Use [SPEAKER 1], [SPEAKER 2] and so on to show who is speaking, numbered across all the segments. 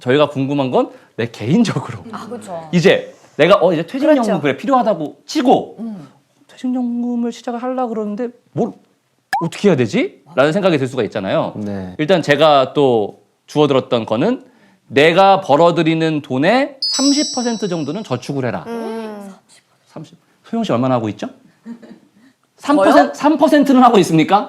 [SPEAKER 1] 저희가 궁금한 건 내 개인적으로
[SPEAKER 2] 그렇죠.
[SPEAKER 1] 이제 내가 이제 퇴직연금
[SPEAKER 3] 그렇죠.
[SPEAKER 1] 그래 필요하다고 치고 퇴직연금을 시작을 하려고 그러는데 뭘 어떻게 해야 되지? 라는 생각이 들 수가 있잖아요.
[SPEAKER 4] 네.
[SPEAKER 1] 일단 제가 또 주워들었던 거는 내가 벌어들이는 돈의 30% 정도는 저축을 해라. 30. 소영 씨 얼마나 하고 있죠? 3%, 3%는 하고 있습니까?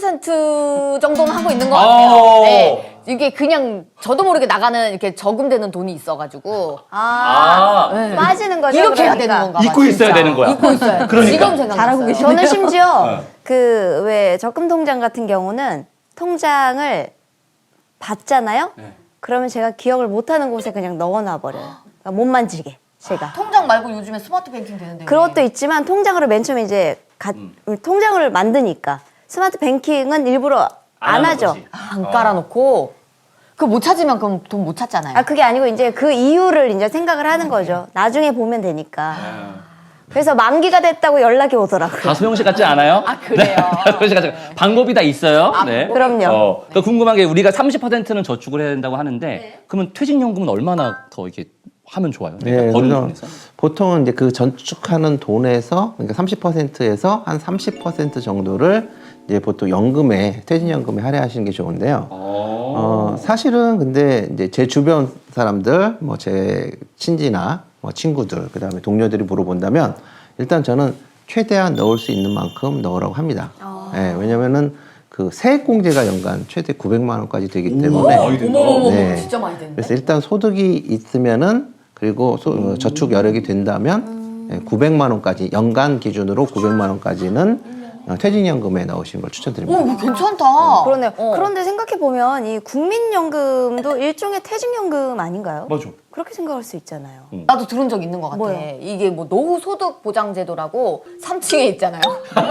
[SPEAKER 2] 3% 정도는 하고 있는 것 같아요. 네. 이게 그냥 저도 모르게 나가는 이렇게 저금되는 돈이 있어가지고
[SPEAKER 1] 아,
[SPEAKER 3] 빠지는 거죠.
[SPEAKER 2] 이렇게 해야
[SPEAKER 3] 그러니까.
[SPEAKER 2] 되는 건가 봐.
[SPEAKER 1] 잊고 있어야
[SPEAKER 2] 진짜.
[SPEAKER 1] 되는 거야.
[SPEAKER 2] 잊고 있어야 돼.
[SPEAKER 1] 그러니까.
[SPEAKER 2] 지금 생각났어요.
[SPEAKER 3] 잘하고 계시네요. 저는 심지어
[SPEAKER 1] 네.
[SPEAKER 3] 그 왜 적금 통장 같은 경우는 통장을 받잖아요.
[SPEAKER 1] 네.
[SPEAKER 3] 그러면 제가 기억을 못하는 곳에 그냥 넣어놔 버려요. 그러니까 못 만지게 제가.
[SPEAKER 2] 통장 말고 요즘에 스마트 뱅킹 되는데.
[SPEAKER 3] 그것도 있지만 통장으로 맨 처음에 이제 통장을 만드니까 스마트 뱅킹은 일부러 안
[SPEAKER 1] 하는
[SPEAKER 3] 하죠.
[SPEAKER 1] 거지.
[SPEAKER 2] 안 깔아놓고 그거 못 찾으면 그럼 돈 못 찾잖아요.
[SPEAKER 3] 아 그게 아니고 이제 그 이유를 이제 생각을 하는 거죠. 나중에 보면 되니까. 그래서 만기가 됐다고 연락이 오더라고요.
[SPEAKER 1] 다 소영 씨 같지 않아요?
[SPEAKER 2] 아, 그래요?
[SPEAKER 1] 네, 다 소영 씨 같지 않아요. 방법이 다 있어요. 네.
[SPEAKER 3] 그럼요.
[SPEAKER 1] 그러니까 궁금한 게 우리가 30%는 저축을 해야 된다고 하는데 그러면 퇴직연금은 얼마나 더 이렇게 하면 좋아요?
[SPEAKER 4] 네,
[SPEAKER 1] 버는
[SPEAKER 4] 그래서
[SPEAKER 1] 돈에서?
[SPEAKER 4] 보통은 이제 그 저축하는 돈에서 그러니까 30%에서 한 30% 정도를 이제 보통 연금에 퇴직연금에 할애하시는 게 좋은데요. 사실은 근데 이제 제 주변 사람들, 뭐 제 친지나 뭐 친구들, 그다음에 동료들이 물어본다면 일단 저는 최대한 넣을 수 있는 만큼 넣으라고 합니다. 예, 왜냐면은 그 세액공제가 연간 최대 900만 원까지 되기 때문에
[SPEAKER 2] 어머머머
[SPEAKER 4] 네.
[SPEAKER 2] 진짜 많이 되는데.
[SPEAKER 4] 그래서 일단 소득이 있으면은 그리고 저축 여력이 된다면 900만 원까지 연간 기준으로 900만 원까지는 퇴직연금에 넣으시는 걸 추천드립니다.
[SPEAKER 2] 이거 괜찮다.
[SPEAKER 3] 그러네요.
[SPEAKER 2] 어.
[SPEAKER 3] 그런데 생각해 보면 이 국민연금도 일종의 퇴직연금 아닌가요?
[SPEAKER 1] 맞아.
[SPEAKER 3] 그렇게 생각할 수 있잖아요.
[SPEAKER 2] 나도 들은 적 있는 것 같아.
[SPEAKER 3] 뭐요?
[SPEAKER 2] 이게 뭐 노후소득 보장제도라고 3층에 있잖아요.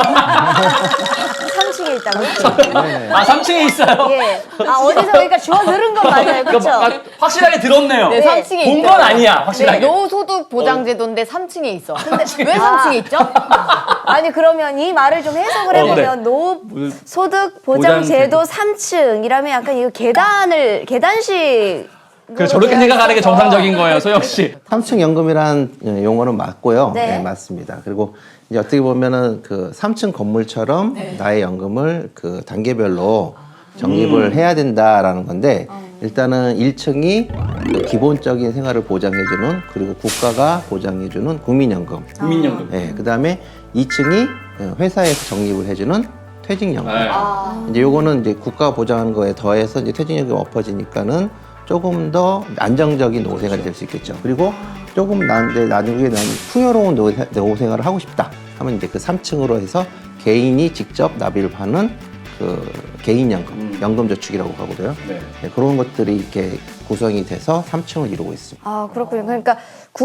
[SPEAKER 3] 3층에 있다고요?
[SPEAKER 1] 아, 3층에 있어요?
[SPEAKER 3] 예. 아 어디서 그러니까 주워 들은 건 맞아요, 그렇죠?
[SPEAKER 1] 그러니까 확실하게 들었네요.
[SPEAKER 2] 네, 3층에
[SPEAKER 1] 본 건 아니야, 확실하게.
[SPEAKER 2] 노후소득 보장제도인데 3층에 있어. 근데 왜 3층에 있죠?
[SPEAKER 3] 아니 그러면 이 말을 좀 해석을
[SPEAKER 1] 그래.
[SPEAKER 3] 해보면 노소득 보장제도 3층이라면 약간 이거 계단식
[SPEAKER 1] 그 저렇게 생각하는 게 정상적인 거예요, 소영 씨.
[SPEAKER 4] 3층 연금이란 용어는 맞고요.
[SPEAKER 3] 네.
[SPEAKER 4] 네, 맞습니다. 그리고 이제 어떻게 보면은 그 3층 건물처럼 나의 연금을 그 단계별로 적립을 해야 된다라는 건데 일단은 1층이 그 기본적인 생활을 보장해주는 그리고 국가가 보장해주는 국민연금.
[SPEAKER 1] 국민연금.
[SPEAKER 4] 네, 그 다음에 2층이 회사에서 적립을 해주는 퇴직연금.
[SPEAKER 1] 네.
[SPEAKER 4] 이제 요거는 이제 국가가 보장하는 거에 더해서 이제 퇴직연금이 엎어지니까는 조금 더 안정적인 노후생활이 될 수 있겠죠. 그리고 조금 나중에 난 풍요로운 노후생활을 하고 싶다 하면 이제 그 3층으로 해서 개인이 직접 납입을 하는 그 개인연금, 연금저축이라고 하거든요.
[SPEAKER 1] 네.
[SPEAKER 4] 네, 그런 것들이 이렇게 구성이 돼서 3층을 이루고 있습니다.
[SPEAKER 3] 아 그렇군요. 그러니까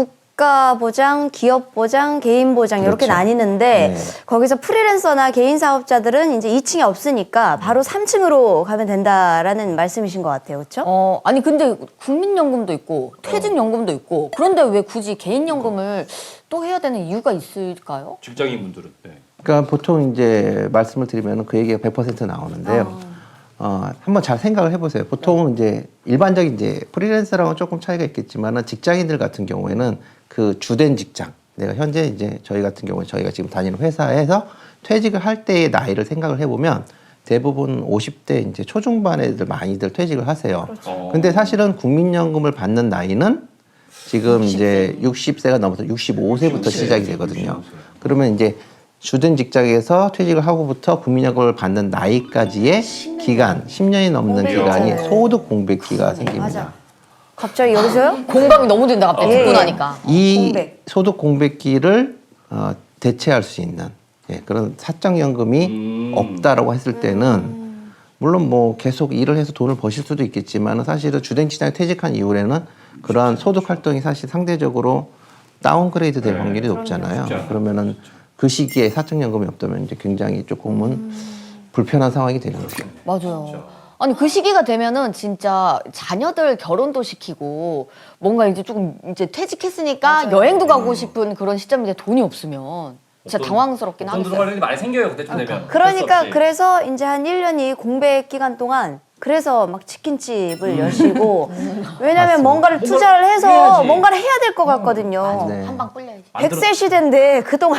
[SPEAKER 3] 국가 보장, 기업 보장, 개인 보장 이렇게
[SPEAKER 4] 그렇죠.
[SPEAKER 3] 나뉘는데
[SPEAKER 4] 네.
[SPEAKER 3] 거기서 프리랜서나 개인 사업자들은 이제 2층이 없으니까 바로 3층으로 가면 된다라는 말씀이신 것 같아요, 그렇죠?
[SPEAKER 2] 아니 근데 국민연금도 있고 퇴직연금도 있고 그런데 왜 굳이 개인연금을 또 해야 되는 이유가 있을까요?
[SPEAKER 1] 직장인 분들은. 네.
[SPEAKER 4] 그러니까 보통 이제 말씀을 드리면 그 얘기가 100% 나오는데요. 한번 잘 생각을 해보세요. 보통 이제 일반적인 이제 프리랜서랑은 조금 차이가 있겠지만은 직장인들 같은 경우에는 그 주된 직장, 내가 현재 이제 저희 같은 경우에 저희가 지금 다니는 회사에서 퇴직을 할 때의 나이를 생각을 해보면 대부분 50대 이제 초중반 애들 많이들 퇴직을 하세요. 근데 사실은 국민연금을 받는 나이는 지금 이제 60세가 넘어서 65세부터 시작이 되거든요. 그러면 이제 주된 직장에서 퇴직을 하고부터 국민연금을 받는 나이까지의 기간, 10년이 넘는 기간이 소득 공백기가 생깁니다.
[SPEAKER 3] 맞아. 갑자기 여기서요?
[SPEAKER 2] 공감이 너무 된다 갑자기
[SPEAKER 3] 예.
[SPEAKER 2] 듣고 나니까.
[SPEAKER 4] 이
[SPEAKER 3] 공백.
[SPEAKER 4] 소득 공백기를 대체할 수 있는 그런 사적연금이 없다라고 했을 때는 물론 뭐 계속 일을 해서 돈을 버실 수도 있겠지만 사실은 주된 직장에 퇴직한 이후에는 그러한 소득 활동이 사실 상대적으로 다운그레이드 될 확률이 높잖아요. 그러면은 그 시기에 사적연금이 없다면 이제 굉장히 조금은 불편한 상황이 되는 거죠.
[SPEAKER 2] 맞아요. 아니 그 시기가 되면은 진짜 자녀들 결혼도 시키고 뭔가 이제 조금 이제 퇴직했으니까 여행도 가고 싶은 그런 시점인데 돈이 없으면 진짜 당황스럽긴
[SPEAKER 1] 돈
[SPEAKER 2] 하겠어요.
[SPEAKER 1] 들어갈 일이 많이 생겨요, 그때쯤 되면.
[SPEAKER 3] 그러니까 그래서 이제 한 1년이 공백 기간 동안 그래서 막 치킨집을 여시고 왜냐면 뭔가를 투자를 해서
[SPEAKER 1] 해야지.
[SPEAKER 3] 뭔가를 해야 될 것 같거든요.
[SPEAKER 4] 네.
[SPEAKER 2] 한 방 뿔려야지.
[SPEAKER 3] 100세 시대인데 그동안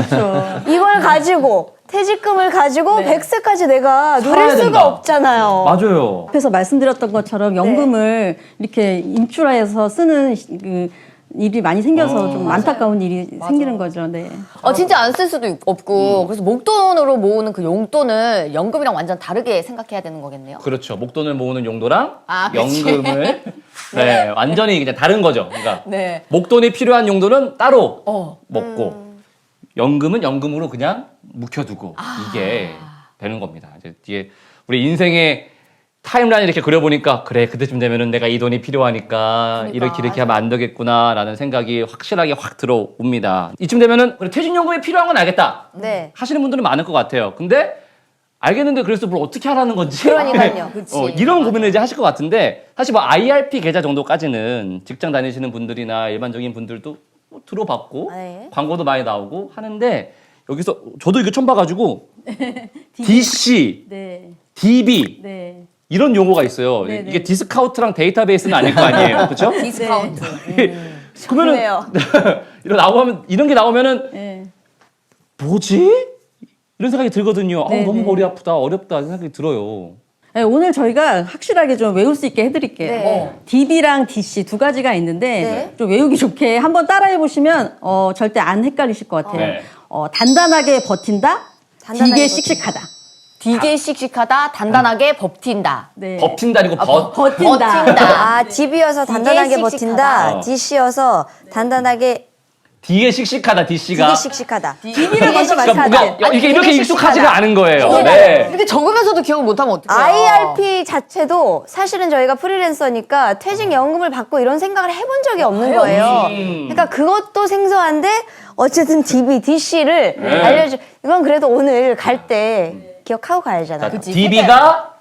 [SPEAKER 3] 이걸 가지고 퇴직금을 가지고 100세까지 내가 누릴
[SPEAKER 1] 살아야
[SPEAKER 3] 수가
[SPEAKER 1] 된다.
[SPEAKER 3] 없잖아요.
[SPEAKER 1] 맞아요.
[SPEAKER 5] 앞에서 말씀드렸던 것처럼 연금을 이렇게 인출해서 쓰는 그 일이 많이 생겨서 좀 안타까운 일이 생기는 거죠. 네.
[SPEAKER 2] 진짜 안 쓸 수도 없고 그래서 목돈으로 모으는 그 용돈을 연금이랑 완전 다르게 생각해야 되는 거겠네요.
[SPEAKER 1] 그렇죠. 목돈을 모으는 용도랑
[SPEAKER 2] 그치.
[SPEAKER 1] 연금을 네, 완전히 그냥 다른 거죠. 그러니까
[SPEAKER 2] 네.
[SPEAKER 1] 목돈이 필요한 용도는 따로 먹고 연금은 연금으로 그냥 묵혀두고 이게 되는 겁니다. 이제 뒤에 우리 인생의 타임라인 이렇게 그려보니까 그래 그때쯤 되면은 내가 이 돈이 필요하니까 이렇게 하면 안 되겠구나라는 생각이 확실하게 확 들어옵니다. 이쯤 되면은 그래 퇴직연금이 필요한 건 알겠다
[SPEAKER 3] 네.
[SPEAKER 1] 하시는 분들은 많을 것 같아요. 근데 알겠는데 그래서 뭘 어떻게 하라는 건지
[SPEAKER 3] 그러니까요.
[SPEAKER 1] 이런 고민을 이제 하실 것 같은데 사실 뭐 IRP 계좌 정도까지는 직장 다니시는 분들이나 일반적인 분들도 뭐 들어봤고
[SPEAKER 3] 네.
[SPEAKER 1] 광고도 많이 나오고 하는데 여기서 저도 이거 처음 봐가지고 DC,
[SPEAKER 5] 네.
[SPEAKER 1] DB
[SPEAKER 5] 네.
[SPEAKER 1] 이런 용어가 있어요.
[SPEAKER 5] 네, 네.
[SPEAKER 1] 이게 디스카운트랑 데이터베이스는 아닐 거 아니에요, 그렇죠?
[SPEAKER 2] 디스카운트.
[SPEAKER 1] 그러면은
[SPEAKER 3] 좋네요.
[SPEAKER 1] 이런 게 나오면은
[SPEAKER 5] 네.
[SPEAKER 1] 뭐지? 이런 생각이 들거든요.
[SPEAKER 5] 네,
[SPEAKER 1] 너무
[SPEAKER 5] 네.
[SPEAKER 1] 머리 아프다, 어렵다 생각이 들어요.
[SPEAKER 5] 네, 오늘 저희가 확실하게 좀 외울 수 있게 해드릴게요.
[SPEAKER 3] 네.
[SPEAKER 5] DB랑 DC 두 가지가 있는데
[SPEAKER 3] 네.
[SPEAKER 5] 좀 외우기 좋게 한번 따라해 보시면 절대 안 헷갈리실 것 같아요.
[SPEAKER 1] 네.
[SPEAKER 5] 단단하게 버틴다,
[SPEAKER 3] 단단하게
[SPEAKER 5] 되게
[SPEAKER 3] 버틴다.
[SPEAKER 5] 씩씩하다.
[SPEAKER 2] 되게 씩씩하다, 단단하게 버틴다.
[SPEAKER 5] 네.
[SPEAKER 1] 버틴다 아니고
[SPEAKER 5] 버틴다.
[SPEAKER 3] 아, DB여서 단단하게
[SPEAKER 2] 되게
[SPEAKER 3] 버틴다.
[SPEAKER 1] 씩씩하다.
[SPEAKER 3] DC여서 단단하게
[SPEAKER 1] 되게 씩씩하다, DC가.
[SPEAKER 3] 되게 씩씩하다.
[SPEAKER 5] DB를 먼저
[SPEAKER 1] 그러니까
[SPEAKER 5] 말씀하세요.
[SPEAKER 1] 뭔가 이게 이렇게
[SPEAKER 3] 되게
[SPEAKER 1] 익숙하지가
[SPEAKER 3] 씩씩하다.
[SPEAKER 1] 않은 거예요. 네.
[SPEAKER 2] 이렇게 적으면서도 기억을 못하면 어떡해요?
[SPEAKER 3] IRP 자체도 사실은 저희가 프리랜서니까 퇴직연금을 받고 이런 생각을 해본 적이 없는 거예요. 그러니까 그것도 생소한데 어쨌든 DB, DC를
[SPEAKER 1] 네.
[SPEAKER 3] 알려주. 이건 그래도 오늘 갈 때 기억하고 가야잖아.
[SPEAKER 2] 그치.
[SPEAKER 1] DB가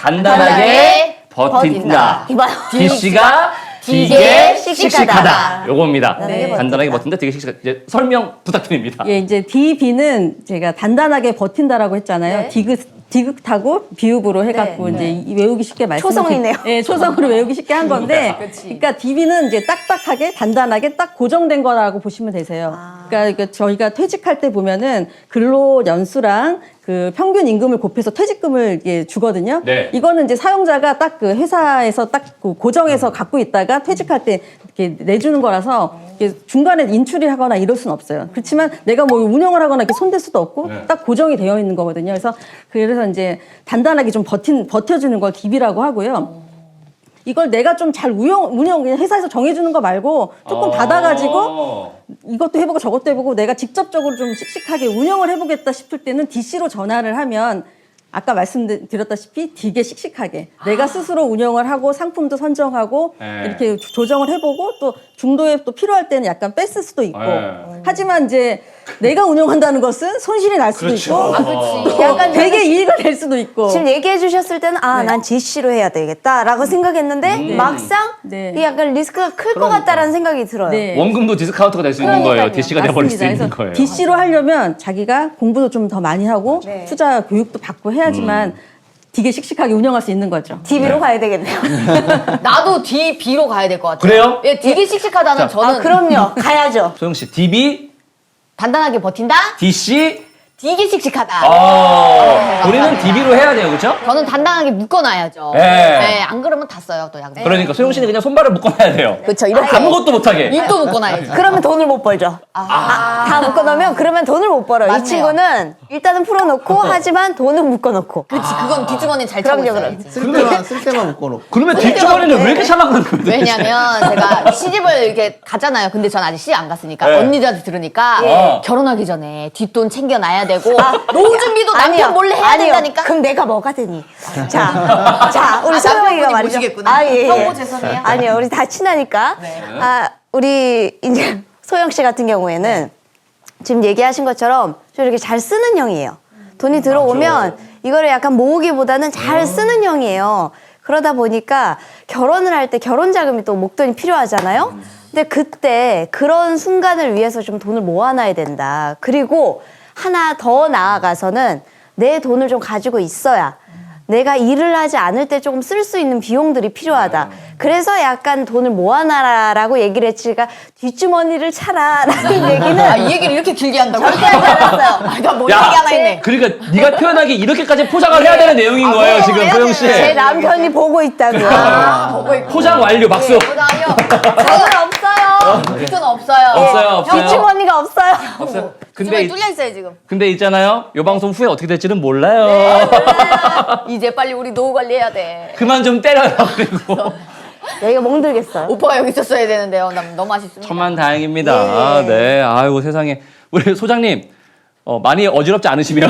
[SPEAKER 1] 단단하게 버틴다.
[SPEAKER 3] 이봐요.
[SPEAKER 1] DC가
[SPEAKER 2] 되게
[SPEAKER 1] 되게
[SPEAKER 3] 씩씩하다.
[SPEAKER 1] 씩씩하다. 요겁니다.
[SPEAKER 3] 단단하게 버틴다.
[SPEAKER 1] 단단하게 버틴다, 되게 씩씩하다. 이제 설명 부탁드립니다.
[SPEAKER 5] 예, 이제 DB는 제가 단단하게 버틴다라고 했잖아요.
[SPEAKER 3] 네.
[SPEAKER 5] 디귿하고 비읍으로 해갖고
[SPEAKER 3] 네.
[SPEAKER 5] 이제 외우기 쉽게
[SPEAKER 3] 초성이네요.
[SPEAKER 5] 예, 초성으로 외우기 쉽게 한 건데, 그러니까 DB는 이제 딱딱하게 단단하게 딱 고정된 거라고 보시면 되세요. 그러니까 저희가 퇴직할 때 보면은 근로 연수랑 그 평균 임금을 곱해서 퇴직금을 이게 주거든요.
[SPEAKER 1] 네.
[SPEAKER 5] 이거는 이제 사용자가 딱 그 회사에서 딱 그 고정해서 갖고 있다가 퇴직할 때 이렇게 내주는 거라서 이게 중간에 인출이 하거나 이럴 수는 없어요. 그렇지만 내가 뭐 운영을 하거나 이렇게 손댈 수도 없고
[SPEAKER 1] 네.
[SPEAKER 5] 딱 고정이 되어 있는 거거든요. 그래서 이제 단단하게 좀 버텨주는 걸 DB라고 하고요. 이걸 내가 좀 잘 운영 그냥 회사에서 정해주는 거 말고 조금 받아가지고 이것도 해보고 저것도 해보고 내가 직접적으로 좀 씩씩하게 운영을 해보겠다 싶을 때는 DC로 전화를 하면 아까 말씀드렸다시피 되게 씩씩하게 내가 스스로 운영을 하고 상품도 선정하고
[SPEAKER 1] 네.
[SPEAKER 5] 이렇게 조정을 해보고 또 중도에 또 필요할 때는 약간 뺐을 수도 있고
[SPEAKER 1] 네.
[SPEAKER 5] 하지만 이제 내가 운영한다는 것은 손실이 날 수도
[SPEAKER 1] 그렇죠.
[SPEAKER 5] 있고
[SPEAKER 2] 그치.
[SPEAKER 3] 약간
[SPEAKER 5] 되게 이익을 낼 수도 있고
[SPEAKER 3] 지금 얘기해 주셨을 때는 난 DC로 해야 되겠다라고 생각했는데 막상
[SPEAKER 5] 네.
[SPEAKER 3] 이게 약간 리스크가 클 것 같다라는 생각이 들어요.
[SPEAKER 5] 네.
[SPEAKER 1] 원금도 디스카운트가 될 수 있는 거예요. DC가 돼버릴 수 있는
[SPEAKER 5] 그래서
[SPEAKER 1] 거예요.
[SPEAKER 5] DC로 하려면 자기가 공부도 좀 더 많이 하고
[SPEAKER 3] 네.
[SPEAKER 5] 투자 교육도 받고 해야지만 되게 씩씩하게 운영할 수 있는 거죠.
[SPEAKER 3] DB로 가야 되겠네요.
[SPEAKER 2] 나도 DB로 가야 될 것 같아요.
[SPEAKER 1] 그래요?
[SPEAKER 2] 예, 되게 씩씩하다는 저는
[SPEAKER 3] 그럼요. 가야죠.
[SPEAKER 1] 소영 씨, DB,
[SPEAKER 2] 단단하게 버틴다?
[SPEAKER 1] DC,
[SPEAKER 2] 되게 씩씩하다.
[SPEAKER 1] 우리는 DB로 해야 돼요, 그렇죠?
[SPEAKER 2] 저는 단단하게 묶어놔야죠.
[SPEAKER 1] 네.
[SPEAKER 2] 네, 안 그러면 다 써요, 또 약간.
[SPEAKER 1] 그러니까 소영 씨는 그냥 손발을 묶어놔야 돼요.
[SPEAKER 2] 그쵸, 이렇게.
[SPEAKER 1] 아무것도 못하게.
[SPEAKER 2] 입도 묶어놔야지.
[SPEAKER 3] 그러면 돈을 못 벌죠. 다 묶어놓으면 그러면 돈을 못 벌어요.
[SPEAKER 2] 맞네요.
[SPEAKER 3] 이 친구는 일단은 풀어놓고 하지만 돈은 묶어놓고.
[SPEAKER 2] 그치, 그건 뒷주머니 잘 차고
[SPEAKER 3] 그럼요,
[SPEAKER 2] 있어야지.
[SPEAKER 4] 쓸 때만 묶어놓고.
[SPEAKER 1] 그러면 뒷주머니는 왜 이렇게 찰랑거리는 거예요? 도대체?
[SPEAKER 2] 왜냐면 제가 시집을 이렇게 가잖아요. 근데 전 아직 시집 안 갔으니까
[SPEAKER 1] 네.
[SPEAKER 2] 언니들한테 들으니까
[SPEAKER 1] 예.
[SPEAKER 2] 결혼하기 전에 뒷돈 챙겨놔야 되고 노후 준비도 남편
[SPEAKER 3] 아니요.
[SPEAKER 2] 몰래 해야
[SPEAKER 3] 아니요.
[SPEAKER 2] 된다니까.
[SPEAKER 3] 그럼 내가 뭐가 되니? 자, 우리 소영이가
[SPEAKER 2] 남편분이
[SPEAKER 3] 말이죠.
[SPEAKER 2] 모시겠구나.
[SPEAKER 3] 예.
[SPEAKER 2] 형부 죄송해요.
[SPEAKER 3] 아니요, 우리 다 친하니까. 우리 이제 소영 씨 같은 경우에는 지금 얘기하신 것처럼 좀 이렇게 잘 쓰는 형이에요. 돈이 들어오면 이거를 약간 모으기보다는 잘 쓰는 형이에요. 그러다 보니까 결혼을 할 때 결혼 자금이 또 목돈이 필요하잖아요. 근데 그때 그런 순간을 위해서 좀 돈을 모아놔야 된다. 그리고 하나 더 나아가서는 내 돈을 좀 가지고 있어야 내가 일을 하지 않을 때 조금 쓸 수 있는 비용들이 필요하다. 그래서 약간 돈을 모아놔라라고 얘기를 했지가 뒷주머니를 차라라는 얘기는
[SPEAKER 2] 아, 이 얘기를 이렇게 길게 한다고?
[SPEAKER 3] 절대 하지 않았어요.
[SPEAKER 2] 아, 나뭔 얘기 하나 했네.
[SPEAKER 1] 그러니까 네가 표현하기 이렇게까지 포장을 해야 되는 내용인 거예요, 지금 소영 씨.
[SPEAKER 3] 제 남편이 보고 있다고요.
[SPEAKER 2] 보고 있고.
[SPEAKER 1] 포장 완료, 박수.
[SPEAKER 2] 보장이요.
[SPEAKER 3] 저는 없어요.
[SPEAKER 2] 빅톤 없어요.
[SPEAKER 1] 없어요.
[SPEAKER 3] 뒷주머니가 없어요.
[SPEAKER 1] 없어요.
[SPEAKER 2] 근데 뚫려 있어요 지금.
[SPEAKER 1] 근데 있잖아요. 요 방송 후에 어떻게 될지는 몰라요.
[SPEAKER 2] 이제 빨리 우리 노후 관리해야 돼.
[SPEAKER 1] 그만 좀 때려요. 그리고
[SPEAKER 3] 여기가 멍들겠어요.
[SPEAKER 2] 오빠가 여기 있었어야 되는데요. 난 너무 아쉽습니다.
[SPEAKER 1] 천만다행입니다. 네. 아이고 세상에. 우리 소장님 많이 어지럽지 않으시면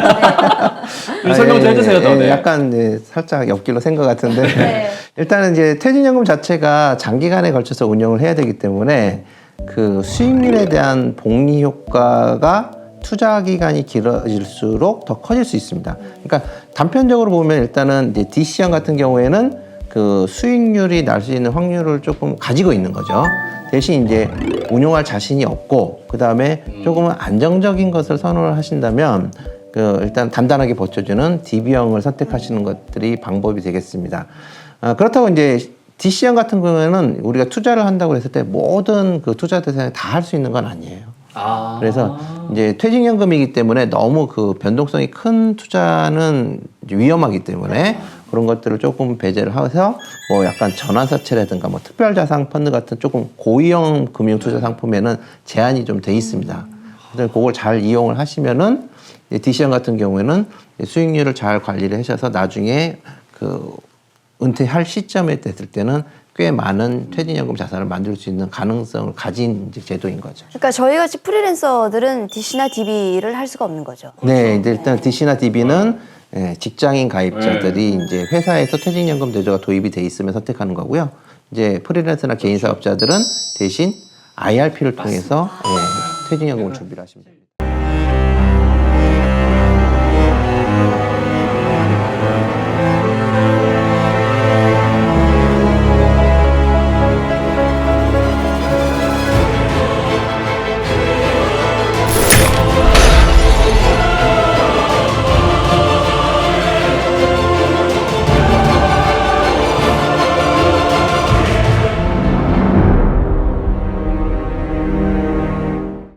[SPEAKER 1] 우리 설명 좀 해주세요. 더. 네.
[SPEAKER 4] 약간 살짝 옆길로 샌 것 같은데 일단은 이제 퇴직연금 자체가 장기간에 걸쳐서 운영을 해야 되기 때문에 그 수익률에 대한 복리 효과가 투자 기간이 길어질수록 더 커질 수 있습니다. 그러니까 단편적으로 보면 일단은 이제 DC형 같은 경우에는 그 수익률이 날 수 있는 확률을 조금 가지고 있는 거죠. 대신 이제 운용할 자신이 없고 그 다음에 조금은 안정적인 것을 선호를 하신다면 그 일단 단단하게 버텨주는 DB형을 선택하시는 것들이 방법이 되겠습니다. 그렇다고 이제 DC형 같은 경우에는 우리가 투자를 한다고 했을 때 모든 그 투자 대상에 다 할 수 있는 건 아니에요. 그래서 이제 퇴직연금이기 때문에 너무 그 변동성이 큰 투자는 위험하기 때문에 그런 것들을 조금 배제를 해서 뭐 약간 전환사채라든가 뭐 특별자산 펀드 같은 조금 고위험 금융 투자 상품에는 제한이 좀 돼 있습니다. 그래서 그걸 잘 이용을 하시면은 DC형 같은 경우에는 수익률을 잘 관리를 하셔서 나중에 그 은퇴할 시점에 됐을 때는 꽤 많은 퇴직연금 자산을 만들 수 있는 가능성을 가진 이제 제도인 거죠.
[SPEAKER 3] 그러니까 저희 같이 프리랜서들은 DC나 DB를 할 수가 없는 거죠.
[SPEAKER 4] 네, 이제 일단 DC나 DB는 직장인 가입자들이 이제 회사에서 퇴직연금 제도가 도입이 돼 있으면 선택하는 거고요. 이제 프리랜서나 개인 사업자들은 대신 IRP를 통해서 퇴직연금을 준비를 하시면 됩니다.